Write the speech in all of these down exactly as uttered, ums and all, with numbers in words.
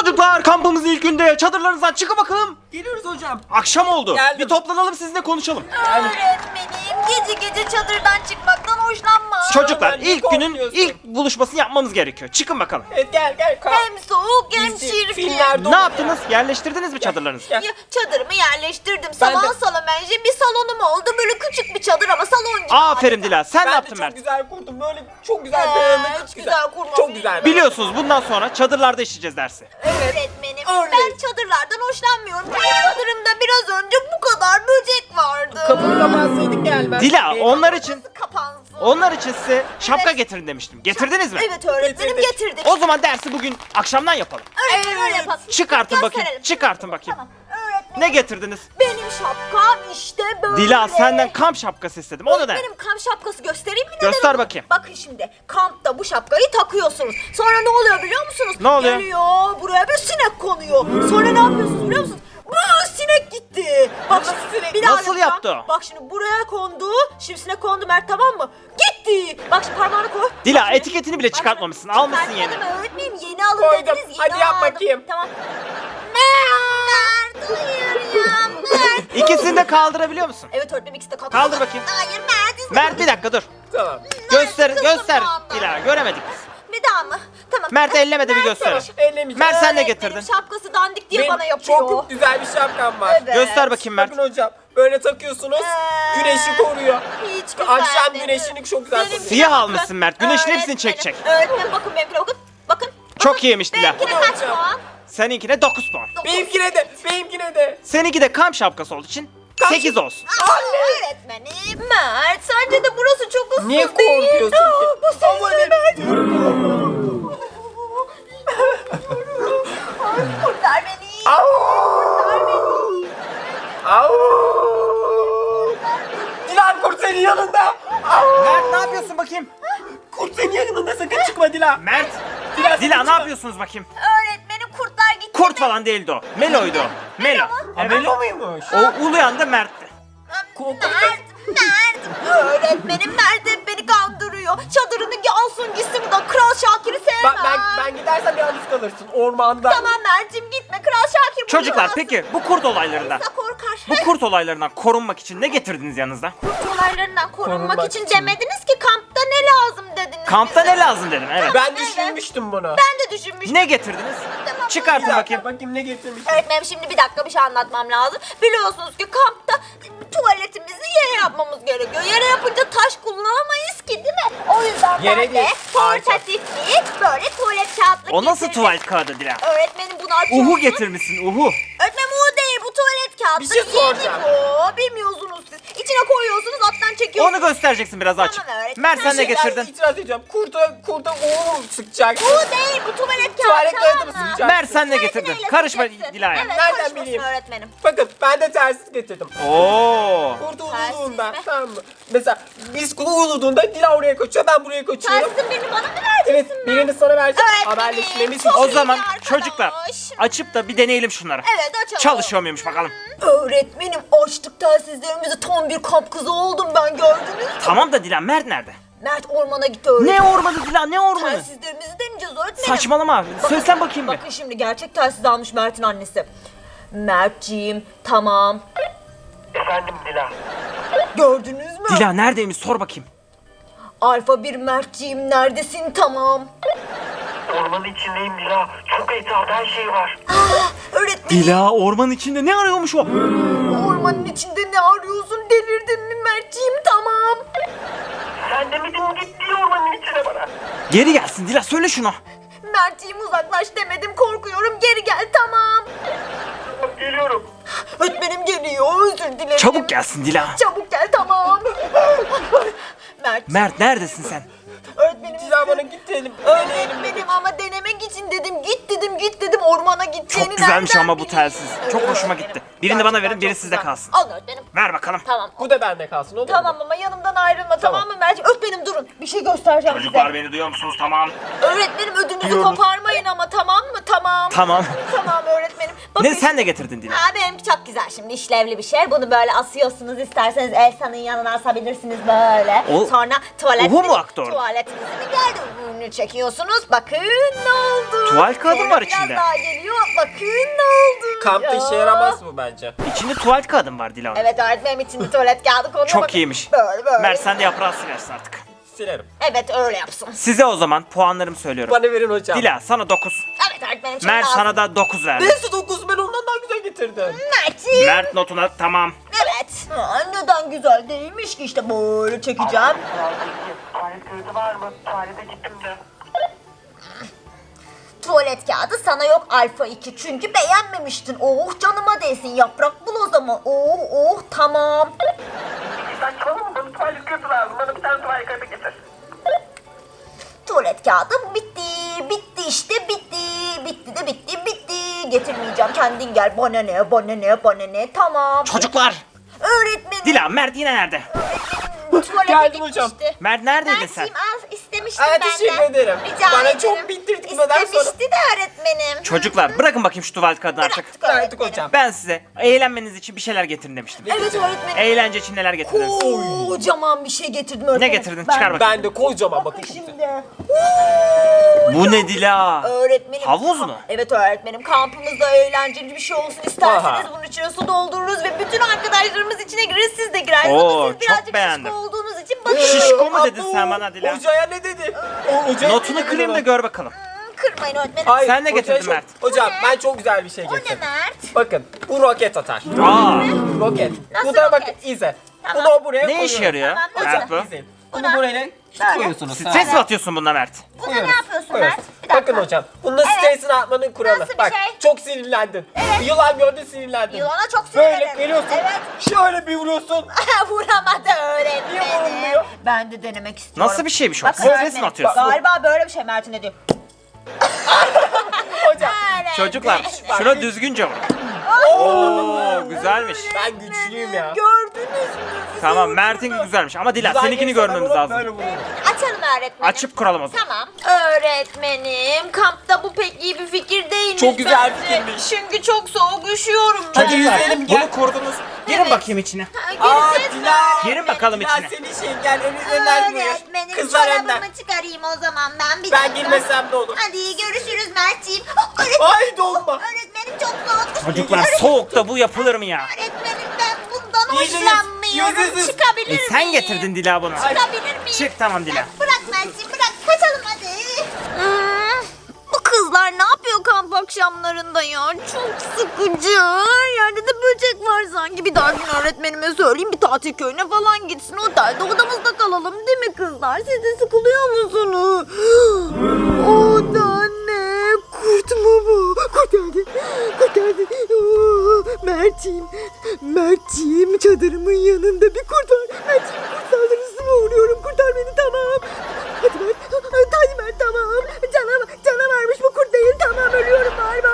Çocuklar, kampımızın ilk günde çadırlarınızdan çıkın bakalım. Geliyoruz hocam. Akşam oldu. Geldim. Bir toplanalım, sizinle konuşalım. Öğretmenim, gece gece çadırdan çıkmaktan hoşlanmam. Çocuklar, Öğretmen, niye ilk günün korkuyorsun? ilk buluşmasını yapmamız gerekiyor. Çıkın bakalım. Evet, gel gel. Kalk. Hem soğuk hem Dizi, çirkin. filmlerde Ne oluyor. yaptınız? Yerleştirdiniz mi çadırlarınızı? Ya, Ya, çadırımı yerleştirdim. Ben Salon de- salon bence bir salonum oldu. Böyle küçük bir çadır ama salon gibi. Aferin Dila. Sen ne ben de yaptın çok Mert? güzel kurdum. Böyle çok güzel Ee, dayanıklı. hiç güzel kurmadım. Çok güzel. Biliyorsunuz bundan sonra çadırlarda işleyeceğiz dersi. Öğretmenim, Öyle. ben çadırlardan hoşlanmıyorum. Çünkü çadırımda biraz önce bu kadar böcek vardı. Kapıyı kapatsaydın gelmez. Dila, Ee, onlar için Nasıl kapansın? onlar için size şapka Evet. getirin demiştim. Getirdiniz mi? Evet öğretmenim, Getirdik. getirdik. O zaman dersi bugün akşamdan yapalım. Öğretmenim öyle yapalım. Çıkartın bakayım. Gösterelim. Çıkartın bakayım. Tamam. Öğretmenim, Ne getirdiniz? benim şapkam işte böyle. Dila, senden kamp şapkası istedim. O da ne? Benim kamp şapkası göstereyim mi? neden Göster olur? bakayım. Bakın şimdi kampta bu şapkayı takıyorsunuz. Sonra ne oluyor biliyor musunuz? Ne oluyor? Geliyor buraya bir sinek konuyor. Sonra ne yapıyorsunuz biliyor musunuz? Bu sinek gitti. Bak Nasıl sinek? bir daha Nasıl yapacağım. yaptı o? Bak şimdi buraya kondu. Şimdi sinek kondu Mert, tamam mı? Gitti. Bak şimdi parmağını koy. Dila, Bak şimdi. etiketini bile Bak çıkartmamışsın. şimdi. Almışsın yeni. Çıkartmadım öğretmenim, yeni alın Koydum. dediniz. Yeni Hadi yap aldım. bakayım. Tamam. Mert hayır ya Mert. İkisini de kaldırabiliyor musun? Evet öğretmenim, ikisi de kalktı. Kaldır bakayım. Hayır Mert. izin- Mert, bir dakika dur. Tamam. Göster, kızım göster. şu anda. Dila, göremedik biz. Bir daha mı? Tamam. Mert ellemedi, bir göster. Tamam. Ellemeyeceğim. Mert, sen ne Öğretmenim, getirdin? şapkası dandik diye Benim bana yapıyor. çok güzel bir şapkam var. Evet. Göster bakayım Mert. Bakın hocam. Böyle takıyorsunuz. Ee, Güneşi koruyor. Hiç güzel Akşam değil. güneşini çok güzel Benimkine koruyor. Siyah bakın. almışsın Mert, güneşin hepsini Öğretmenim, çekecek. Öğretmenim bakın benimkine bakın. Bakın. Çok bakın. iyiymiş Dila. Benimkine kaç Hocam. puan? Seninkine dokuz puan. Dokuz. Benimkine de. Benimkine de. Seninki de kamp şapkası olduğu için Kamp- sekiz olsun. Aa, öğretmenim. Mert, sence de burası çok ıssız Niye değil mi? korkuyorsun ki? Bu Ama sesle ne- Mert. Ay, kurtar beni. Kurtar beni. Au! Dilan, kurt senin yanında. Au! Mert, ne yapıyorsun bakayım? Kurt senin yanında, sakın çıkma Dilan. Mert, Dila, Dila sakın ne çıkma. yapıyorsunuz bakayım? Öğretmenim, kurtlar gitti. Kurt falan değildi o. Melo'ydu o. Melo. Ha, Melo muymuş? O uluyan da Mert'ti. Kurt- Mert, Mert. Öğretmenim Mert hep beni kandırıyor. Çadırını alsın gitsin buradan. Kral Şakir'i sevmem. Ben, ben, ben gidersem yalnız kalırsın ormanda. Tamam Mert'cim, gitme. Kral Şakir burada Çocuklar, kalsın. peki bu kurt olaylarından, Yoksa korkar. bu kurt olaylarından korunmak için ne getirdiniz yanınızda? Kurt olaylarından korunmak, Korunmak için, için. demediniz ki kampta ne lazım dediniz Kampta bize. ne lazım dedim, evet. Ben düşünmüştüm bunu. Ben de düşünmüştüm. Ne getirdiniz? Tamam, Çıkartın buyurun. bakayım. Bakayım ne getirmiş. Öğretmenim, şimdi bir dakika bir şey anlatmam lazım. Biliyorsunuz ki kampta tuvaletimizi yere yapmamız gerekiyor. Yere yapınca taş kullanamayız ki, değil mi? O yüzden Yere ben de değil, ağaca. portatif bir böyle tuvalet kağıtlık O nasıl getirdim. tuvalet kağıdı Dila? Öğretmenim bunu açıyor. Uhu getirmişsin, uhu. Öğretmenim o değil, bu tuvalet kağıtlık. Bir şey soracağım. Yeni bu. Bilmiyorsunuz siz. İçine koyuyorsunuz, alttan çekiyorsunuz. Onu göstereceksin biraz açık. Tamam, evet. Mert, sen ne Bir şey- getirdin? İtiraz ediyorum. Kurta, kurta uğur sıkacak. Bu değil, bu tuvalet kağıdı. Tuvalet kağıdı mı tamam sıkacak? Mert, sen ne Tuvaleti getirdin? neyle Karışma sıkacaksın? Dila'ya. Evet, Nereden karışmasın bileyim? öğretmenim. Bakın, ben de tersiz getirdim. Oo. Kurt Tersiz uluduğunda, mi? tamam mı? Mesela biz kurt uluduğunda Dila oraya kaçıyor, ben buraya kaçıyorum. Tersin birini bana mı vereceksin? Evet, birini sana vereceğim. Öğretmenim, Haberleşmemiz çok için. O iyi zaman arkadaş. çocuklar açıp da bir deneyelim şunları. Evet, açalım. Çalışıyor muymuş bakalım. Öğretmenim, açtık telsizlerimizi, tam bir kamp kızı oldum ben, gördünüz mü? Tamam da Dila, Mert nerede? Mert ormana gitti öğretmenim. Ne ormanı Dila, ne ormanı? Telsizlerimizi deneyeceğiz öğretmenim. Saçmalama. Söylesen bakayım bir. Bakın şimdi gerçek telsiz almış Mert'in annesi. Mertciğim, tamam. Efendim Dila. Gördünüz mü? Dila neredeymiş, sor bakayım. Alfa bir Mertciğim, neredesin, tamam. Ormanın içindeyim Dila. Çok etrafta her şey var. Öğretmenim, Dila ormanın içinde ne arıyormuş o? ormanın içinde ne arıyorsun, delirdin mi Mertciğim, tamam. Sen demedin mi git diye ormanın içine bana. Geri gelsin Dila, söyle şunu. Mertciğim uzaklaş demedim, korkuyorum, geri gel, tamam. Tamam, geliyorum. Öğretmenim geliyor, özür dilerim. Çabuk gelsin Dila. Çabuk gel, tamam. Mert, Mert, neredesin sen? öğretmenim. Dila bana git diyelim. Deneyelim. Öğretmenim ama denemek için dedim, git dedim, git dedim, ormana gideceğini Çok güzelmiş nereden ama bu bileyim? telsiz. Çok hoşuma gitti. Birini bana verin, biri çok sizde güzel. kalsın. Al öğretmenim. Ver bakalım. Tamam. Bu da bende kalsın, olur mu? Tamam ama yanımdan ayrılma, tamam, mı Mert'ciğim? Öğretmenim durun, bir şey göstereceğim Çocuklar, size. beni duyuyor musunuz? Tamam. Öğretmenim ödünüzü Duyuyoruz. koparmayın ama, tamam mı? Tamam. Tamam. Tamam öğretmenim. Ne sen de getirdin Dila. Ha, benimki çok güzel şimdi, işlevli bir şey. Bunu böyle asıyorsunuz, isterseniz Elsa'nın yanına asabilirsiniz böyle. O- Sonra tuvalet Uhu mu aktı orada? tuvaletinizin geldi. Ürünü çekiyorsunuz. Bakın ne oldu. Tuvalet kağıdı Sonra var biraz içinde. daha geliyor. Bakın ne oldu. Kampta Ya. işe yaramaz mı bence? İçinde tuvalet kağıdı var Dila. Evet öğretmenim, içinde tuvalet kağıdı konuyor. Çok Bakın. iyiymiş. Böyle böyle. Mert sen de yaprağı silersin artık. Silerim. Evet öyle yapsın. Size o zaman puanlarımı söylüyorum. Bana verin hocam. Dila sana dokuz. Evet öğretmenim çok Mert lazım. sana da dokuz verdi. Neyse dokuz, ben ondan daha güzel getirdim. Mert'ciğim. Mert notuna tamam. Evet. Aa, neden güzel değilmiş ki, işte böyle çekeceğim. Kuralda iki. Tuvalet kağıdı var mı? Tuvalete gittim de. Tuvalet kağıdı sana yok alfa iki, çünkü beğenmemiştin. Oh canıma değsin, yaprak bul o zaman. Oh oh tamam. Saçmalama, bana tuvalet kağıdı lazım. Bana bir tane tuvalet kağıdı getir. Tuvalet kağıdı bitti. Bitti işte bitti. Bitti de bitti bitti. Getirmeyeceğim, kendin gel. Bana ne bana ne bana ne, tamam. Çocuklar. Öğretmenim. Dila Mert yine nerede? Tuvalete Geldim hocam. gitmişti. Mert neredeydin sen? Mert'ciğim al, istemiştim Ay, benden. teşekkür ederim. Rica Bana ederim. çok bindirtmeden sonra- İstemişti de öğretmenim. Çocuklar bırakın bakayım şu tuvalet kağıdını artık. Bıraktık Bıraktık öğretmenim. hocam. Ben size eğlenmeniz için bir şeyler getirin demiştim. Evet öğretmenim. Eğlence için neler getirdiniz? Kocaman bir şey getirdim öğretmenim. Ne getirdin? Çıkar bakayım. Ben de kocaman bakın. Bakın şimdi. Bu ne Dila? Öğretmenim. Havuz mu? Evet öğretmenim. Kampımızda eğlenceli bir şey olsun isterseniz Aha. bunun içine su doldururuz ve bütün arkadaşlarımız içine girer, siz de girersiniz. Oo, Ama siz birazcık çok beğendim. şişko olduğunuz için bakın. Şişko mu dedin Abo, sen bana Dila? Hocaya ne dedi? O, hocaya Notunu ne dedi kırayım da bana? gör bakalım. Hmm, Kırmayın öğretmenim. Hayır, Sen ne hocaya getirdin çok- Mert? Hocam O ne? ben çok güzel bir şey O ne getirdim. Mert? Bakın bu roket atar. Aa, Roket. Nasıl Bu da bakın roket? izle. Tamam. Bunu buraya ne koyuyoruz. işe yarıyor Tamam, Mert hocam. bu? İzleyin. Buna- Bunu buraya Böyle. koyuyorsunuz. Stres mi atıyorsun bununla Mert? Buna ne yapıyorsun Evet. Mert? Bir dakika. Bakın hocam. Bunun Evet. stresini atmanın kuralı. Nasıl bir Bak şey? çok sinirlendin. Evet. Yılan gördün sinirlendin. Yılana çok Böyle sinirlenirim. geliyorsun. Evet. Şöyle bir vuruyorsun. Vuramadı Niye öğretmenim. vurulmuyor? Ben de denemek istiyorum. Nasıl bir şeymiş o? Bak Stres mi öğretmenim, atıyorsun? Galiba böyle bir şey Mert'in dediği. Hocam. Evet. Çocuklar şuna düzgünce vurun. Oo güzelmiş. Ben güçlüyüm ya. Gördünüz mü? Tamam Mert'in güzelmiş ama Dila Güzel seninkini gelirse ben görmemiz onu lazım. böyle vururum. Açalım öğretmenim. Açıp kuralım o zaman. Tamam. Öğretmenim, kampta bu pek iyi bir fikir değilmiş. Çok güzel bence. fikirmiş. Çünkü çok soğuk, üşüyorum ben. Hadi yüzelim gel. Bunu kurdunuz. Girin Evet. bakayım içine. Ha, Aa gireceğiz mi Dila. Girin bakalım Dila içine. senin şeyin gel önünden buyur. Öğretmenim, Kızlar önden. çorabımı çıkarayım o zaman ben bir Ben dakika. girmesem de olur. Hadi görüşürüz Mert'ciğim. Oh, öğretmenim, Ay dolma. öğretmenim çok soğuk. Çocuklar Öğretmenim, soğukta bu yapılır mı ya? Öğretmenim ben bundan Yüzünüz, hoşlanmıyorum. yüzünüz. Çıkabilir E miyim? sen getirdin Dila bunu. Çıkabilir miyim? Çık tamam Dila. Bırak Mert'ciğim bırak. Kaçalım hadi. Bu kızlar ne yapıyor kamp akşamlarında ya? Çok sıkıcı. Her yerde de böcek var sanki. Bir daha gün öğretmenime söyleyeyim, bir tatil köyüne falan gitsin. Otelde odamızda kalalım değil mi kızlar? Siz de sıkılıyor musunuz? O da ne? Kurt mu bu? Kurt geldi. Kurt geldi. Oo, Mert'ciğim. Mert'ciğim, çadırımın yanında bir kurt var. Mert'ciğim, kurt saldırısına uğruyorum. Kurtar beni, tamam. Hadi Mert. Hadi Mert, tamam. Canavar, canavarmış bu, kurt değil. Tamam, ölüyorum galiba.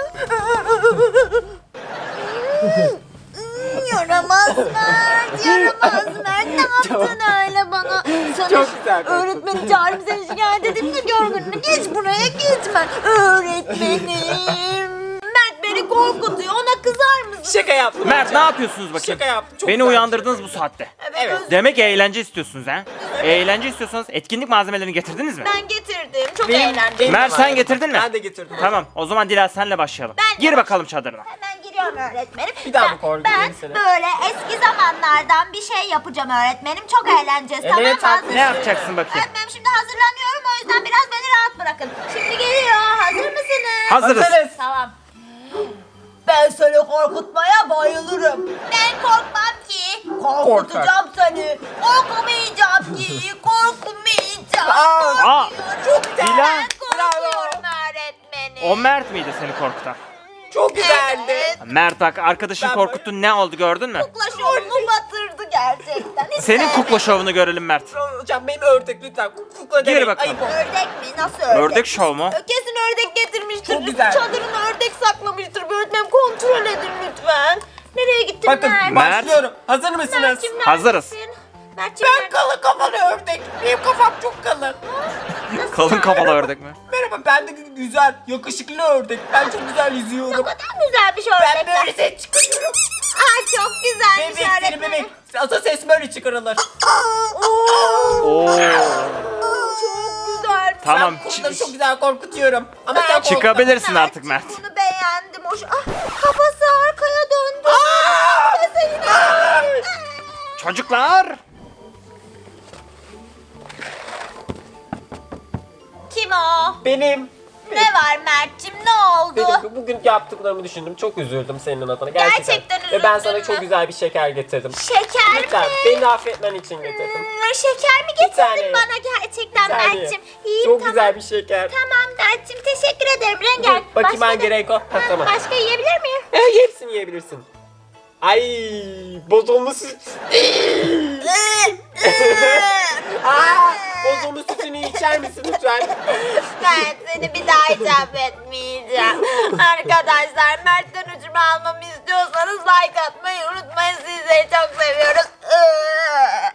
Yaramaz Mert, yaramaz Mert. Ne yaptın öyle bana? Sana Çok güzel. öğretmenim çağırıp seni şikayet edeyim de gör gününü. Geç buraya, gitme. Öğretmenim. Mert beni korkutuyor, ona kızar mısın? Şaka yaptım. Mert hocam. ne yapıyorsunuz bakayım? Şaka yaptım. Çok Beni güzel. uyandırdınız bu saatte. Evet. özür- Demek eğlence istiyorsunuz ha? Eğlence istiyorsanız etkinlik malzemelerini getirdiniz mi? Ben getirdim. Çok Benim- eğlendim. benim Mert de sen var. getirdin mi? Ben de getirdim. Tamam o zaman Dila senle başlayalım. Ben de Gir bakalım çadırına. Hemen giriyorum öğretmenim. Bir daha Ben- mı koordine Ben etsene? böyle eski zamanlardan bir şey yapacağım öğretmenim. Çok eğleneceğiz. Evet, Tamam mı? tabii. Hazır Ne mısınız? yapacaksın bakayım? Öğretmenim şimdi hazırlanıyorum, o yüzden biraz beni rahat bırakın. Şimdi geliyor. Hazır mısınız? Hazırız. Hazırız. Tamam. Ben seni korkutmaya bayılırım. Ben korkmam ki. Korkutacağım seni. Korkmayacağım ki. Korkmayacağım. Aa, Aa, Çok güzel. Dila. Ben korkuyorum öğretmenim. O Mert miydi seni korkutan? Çok güzeldi. Evet. Mert bak arkadaşın Ben korkuttun, ne oldu gördün mü? Kukla şovumu batırdı gerçekten. Hiç Senin sevmedim. kukla şovunu görelim Mert. Hocam benim ördek lütfen. Kukla Gir demeyin. bakalım. Ayıp oldu. Ördek mi? Nasıl ördek? Ördek şov mu? Kesin ördek getirmiştir. Çok güzel. Çadırına ördek saklamıştır. Bir öğretmenim kontrol edin lütfen. Nereye gittin Bakın Mert? Mert. başlıyorum. Hazır mısınız? Mert'cim, Hazırız. neredesin? Mert'cim Ben nerede? kalın kafalı ördek. Benim kafam çok kalın. Kalın kafalı ördek mi? Merhaba, ben de gü- güzel, yakışıklı ördek. Ben çok güzel Ne yüzüyorum. kadar güzelmiş Ben ördekler. böyle ses çıkarıyorum. Aa, çok güzelmiş Bebek seni öğretmenim. bebek. Asa ses böyle çıkarılır. Oo. Çok güzelmiş. Tamam. Ben çı- kurtları çok güzel korkutuyorum. Ama sen korkma. Çıkabilirsin artık Mert. Bunu beğendim. Hoş. Ah, kafası arkaya döndü. Aa! Kafası yine. Çocuklar. Kim o? Benim. Ne var Mert'cim, ne oldu? Benim bugün yaptıklarımı düşündüm. Çok üzüldüm senin adına. Gerçekten. Gerçekten Ve ben üzüldün sana mü? çok güzel bir şeker getirdim. Şeker Lütfen mi? beni affetmen için getirdim. Hmm, şeker mi Bir tane. getirdin bana gerçekten Bir saniye. Mert'cim? İyi, Çok tamam. güzel bir şeker. Tamam Mert'cim, teşekkür ederim Rengar. Bakayım Başka hangi da- renk o? Ha, Ha, tamam. Başka yiyebilir miyim? E, hepsini yiyebilirsin. Ay, bozulmuş süt. Aa, bozulmuş sütünü içer misin lütfen? Ben seni bir daha icap etmeyeceğim. Arkadaşlar, Mert'ten ucumu almamı istiyorsanız like atmayı unutmayın. Sizleri çok seviyoruz.